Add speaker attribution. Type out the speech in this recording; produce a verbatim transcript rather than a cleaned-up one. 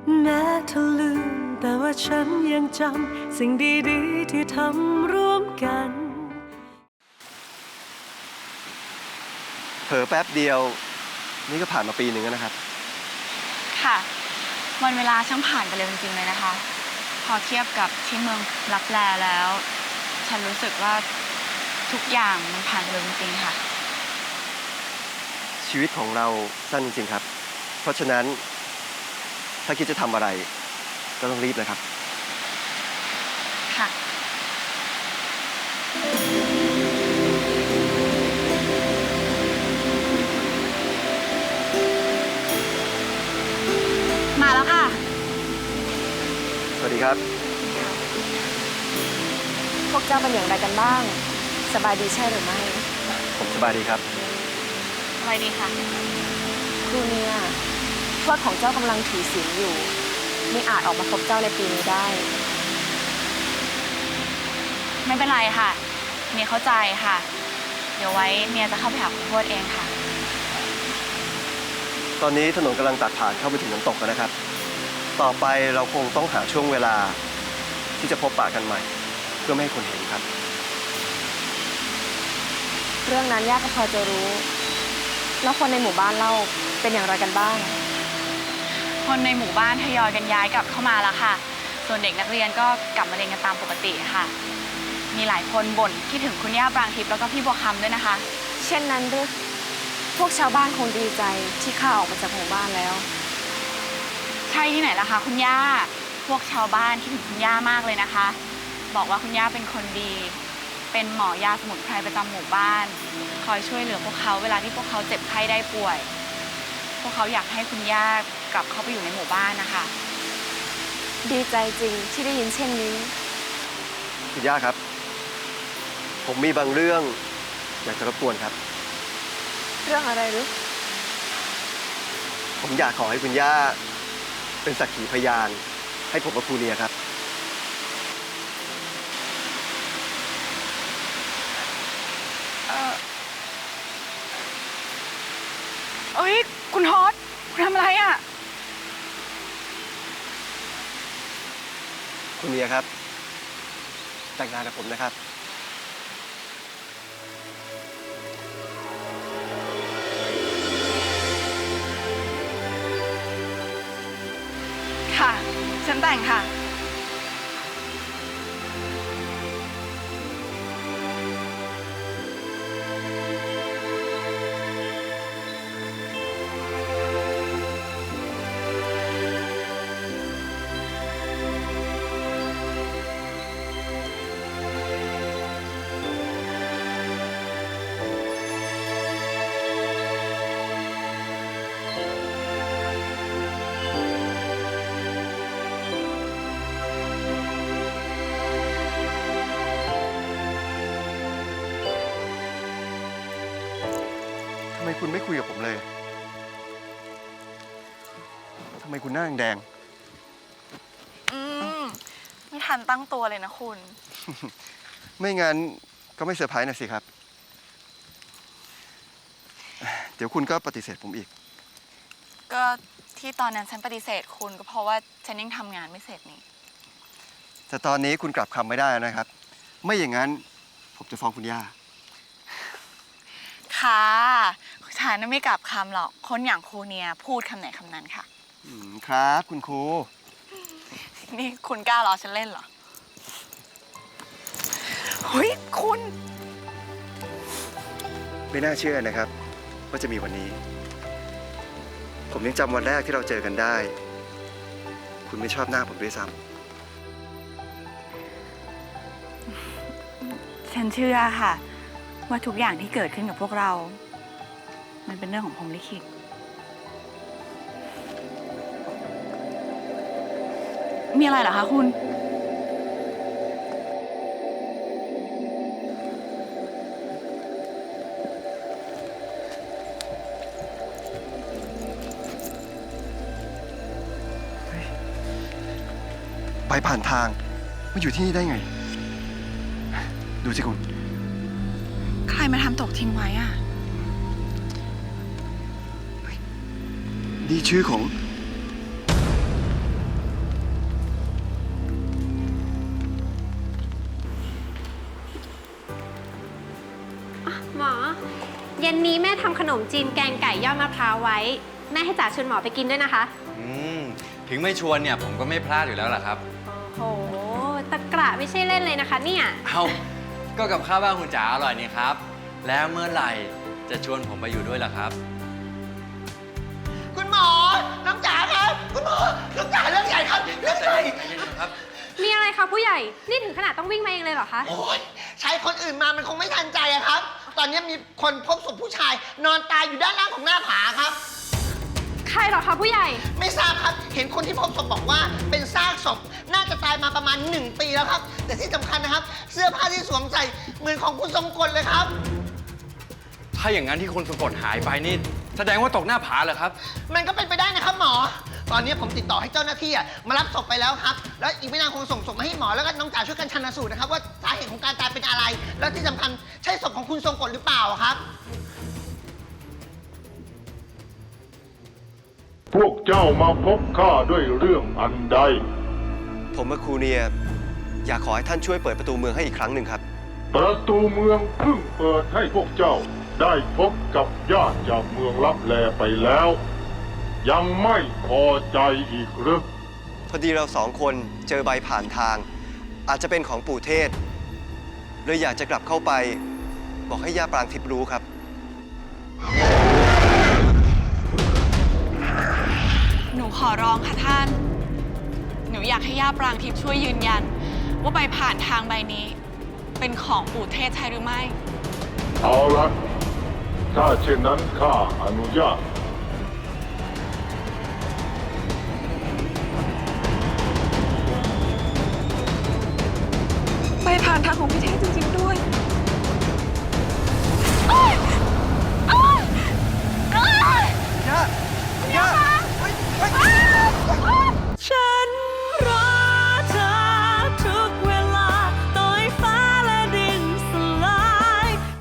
Speaker 1: แม้เธอลืมแต่ว่าฉันยังจำสิ่งดีๆที่ทำร่วมกัน
Speaker 2: เผลอแป๊บเดียวนี่ก็ผ่านมาปีหนึ่งแล้วนะครับ
Speaker 3: ค่ะวันเวลาช่างผ่านไปเร็วจริงๆเลยนะคะพอเทียบกับที่เมืองลับแลแล้ว ฉันรู้สึกว่าทุกอย่างมันผ่านไปเร็วจริงๆค่ะ
Speaker 2: ชีวิตของเราสั้นจริงๆครับเพราะฉะนั้นถ้าคิดจะทำอะไรก็ต้องรีบนะครับ
Speaker 3: ค่ะมาแล้วค่ะ
Speaker 2: สวัสดีครับ
Speaker 4: พวกเจ้าเป็นอย่างไรกันบ้างสบายดีใช่หรือไม่
Speaker 2: ผมสบายดีครับ
Speaker 3: สบายดีค่ะ
Speaker 4: ครูเนี่ยทวดของเจ้ากำลังถือศีลอยู่ไม่อาจออกมาพบเจ้าในปีนี้ได้
Speaker 3: ไม่เป็นไรค่ะเมียเข้าใจค่ะเดี๋ยวไว้เมียจะเข้าไปหาคุณทวดเองค่ะ
Speaker 2: ตอนนี้ถนนกำลังตัดผ่านเข้าไปถึงน้ำตกแล้วนะครับต่อไปเราคงต้องหาช่วงเวลาที่จะพบปะกันใหม่เพื่อไม่ให้คนเห็นครับ
Speaker 4: เรื่องนั้นย่าก็พอจะรู้แล้วคนในหมู่บ้านเล่าเป็นอย่างไรกันบ้าง
Speaker 3: คนในหมู่บ้านทยอยกันย้ายกลับเข้ามาแล้วค่ะส่วนเด็กนักเรียนก็กลับมาเรียนกันตามปกติค่ะมีหลายคนบ่นคิดถึงคุณย่าปรางทิพย์แล้วก็พี่บัวคำด้วยนะคะ
Speaker 4: เช่นนั้นหรือพวกชาวบ้านคงดีใจที่ข้าออกมาจากหมู่บ้านแล้ว
Speaker 3: ใช่ที่ไหนล่ะคะคุณย่าพวกชาวบ้านคิดถึงคุณย่ามากเลยนะคะบอกว่าคุณย่าเป็นคนดีเป็นหมอยาสมุนไพรประจำหมู่บ้านคอยช่วยเหลือพวกเขาเวลาที่พวกเขาเจ็บไข้ได้ป่วยพวกเขาอยากให้คุณย่ากลับเข้าไปอยู่ในหมู่บ้านนะคะ
Speaker 4: ดีใจจริงที่ได้ยินเช่นนี้
Speaker 2: คุณย่าครับผมมีบางเรื่องอยากจะรบกวนครับ
Speaker 4: เรื่องอะไรหรือ
Speaker 2: ผมอยากขอให้คุณย่าเป็นสักขีพยานให้ผมกับครูเนียครับ
Speaker 3: เออเอ้ยคุณฮอตคุณทำอะไรอ่ะ
Speaker 2: คุณเนียครับแต่งงานกับผมนะครับ
Speaker 3: ค่ะฉันแต่งค่ะ
Speaker 2: ทำไมคุณไม่คุยกับผมเลยทำไมคุณหน้าแดง
Speaker 3: อืมไม่ทันตั้งตัวเลยนะคุณ
Speaker 2: ไม่งั้นก็ไม่เซอร์ไพรส์นะสิครับเดี๋ยวคุณก็ปฏิเสธผมอีก
Speaker 3: ก็ที่ตอนนั้นฉันปฏิเสธคุณก็เพราะว่าฉันยังทำงานไม่เสร็จนี่
Speaker 2: แต่ตอนนี้คุณกลับคำไม่ได้นะครับไม่อย่างนั้นผมจะฟ้องคุณย่า
Speaker 3: ค่ะฉันไม่กลับคำหรอกคนอย่างครูเนียพูดคำไหนคำนั้นค่ะ
Speaker 2: ครับคุณครู
Speaker 3: นี่คุณกล้าล้อฉันเล่นเหรอเฮ้ยคุณ
Speaker 2: ไม่น่าเชื่อนะครับว่าจะมีวันนี้ผมยังจำวันแรกที่เราเจอกันได้คุณไม่ชอบหน้าผมด้วยซ้
Speaker 3: ำฉันเชื่อค่ะว่าทุกอย่างที่เกิดขึ้นกับพวกเรามันเป็นเรื่องของพรหมลิขิตมีอะไรเหรอคะคุณ
Speaker 2: ไปผ่านทางมาอยู่ที่นี่ได้ไงดูสิคุณ
Speaker 3: ใครมาทำตกทิ้งไว้อะ
Speaker 2: นี่ชื่อของ
Speaker 5: เย็นนี้แม่ทำขนมจีนแกงไก่ยอดมะพร้าวไว้ แม่ให้จ๋าชวนหมอไปกินด้วยนะคะ
Speaker 6: อืมถึงไม่ชวนเนี่ยผมก็ไม่พลาดอยู่แล้วล่ะครับ
Speaker 5: โอ้โห ตะกระไม่ใช่เล่นเลยนะคะเนี่ย
Speaker 6: เอาก็กับข้าวบ้านคุณจ๋าอร่อยนี่ครับ แล้วเมื่อไหร่จะชวนผมไปอยู่ด้วยล่ะครับ
Speaker 7: คุณหมอ น้องจ๋าครับ คุณหมอ น้องจ๋าเรื่องใหญ่ครับ เรื่อง
Speaker 6: ใจ
Speaker 7: ใหญ่
Speaker 6: เย็นใจเย็นครับ
Speaker 5: มีอะไรคะผู้ใหญ่ นี่ถึงขนาดต้องวิ่งมาเองเลยเหรอคะ
Speaker 7: โอ้ยใช้คนอื่นมามันคงไม่ทันใจอะครับ ตอนนี้มีคนพบศพผู้ชาย นอนตายอยู่ด้านล่างของหน้าผาครับ
Speaker 5: ใครเหรอคะผู้ใหญ่
Speaker 7: ไม่ทราบครับ เห็นคนที่พบศพบอกว่าเป็นซากศพ น่าจะตายมาประมาณหนึ่งปีแล้วครับ แต่ที่สำคัญนะครับ เสื้อผ้าที่สวมใส่เหมือนของคุณทรงกลเลยครับ
Speaker 6: ถ้าอย่างนั้นที่คนสะกดหายไปนี่แสดงว่าตกหน้าผาเหรอครับ
Speaker 7: มันก็เป็นไปได้นะครับหมอ ตอนนี้ผมติดต่อให้เจ้าหน้าที่อะมารับศพไปแล้วครับ แล้วอีกไม่นานคงส่งศพมาให้หมอแล้วก็น้องจ๋าช่วยกันชันสูตรนะครับว่าสาเหตุของการตายเป็นอะไร แล้วที่สำคัญใช่ศพของคุณทรงกลหรือเปล่าครับ
Speaker 8: พวกเจ้ามาพบข้าด้วยเรื่องอันใด
Speaker 2: ผมกับครูเนียอยากขอให้ท่านช่วยเปิดประตูเมืองให้อีกครั้งหนึ่งครับ
Speaker 8: ประตูเมืองเพิ่งเปิดให้พวกเจ้าได้พบกับญาติจากเมืองลับแลไปแล้ว ยังไม่พอใจอีกหรือ
Speaker 2: พอดีเราสองคนเจอใบผ่านทาง อาจจะเป็นของปู่เทศเลยอยากจะกลับเข้าไป บอกให้ย่าปรางทิพย์รู้ครับ
Speaker 3: หนูขอร้องค่ะท่าน หนูอยากให้ย่าปรางทิพย์ช่วยยืนยัน ว่าใบผ่านทางใบนี้ เป็นของปู่เทศใช่หรือไม่
Speaker 8: เอาละถ้าเช่นนั้นข้าอนุญาต
Speaker 1: ไปผ่านทางของพี่เทพจริงๆ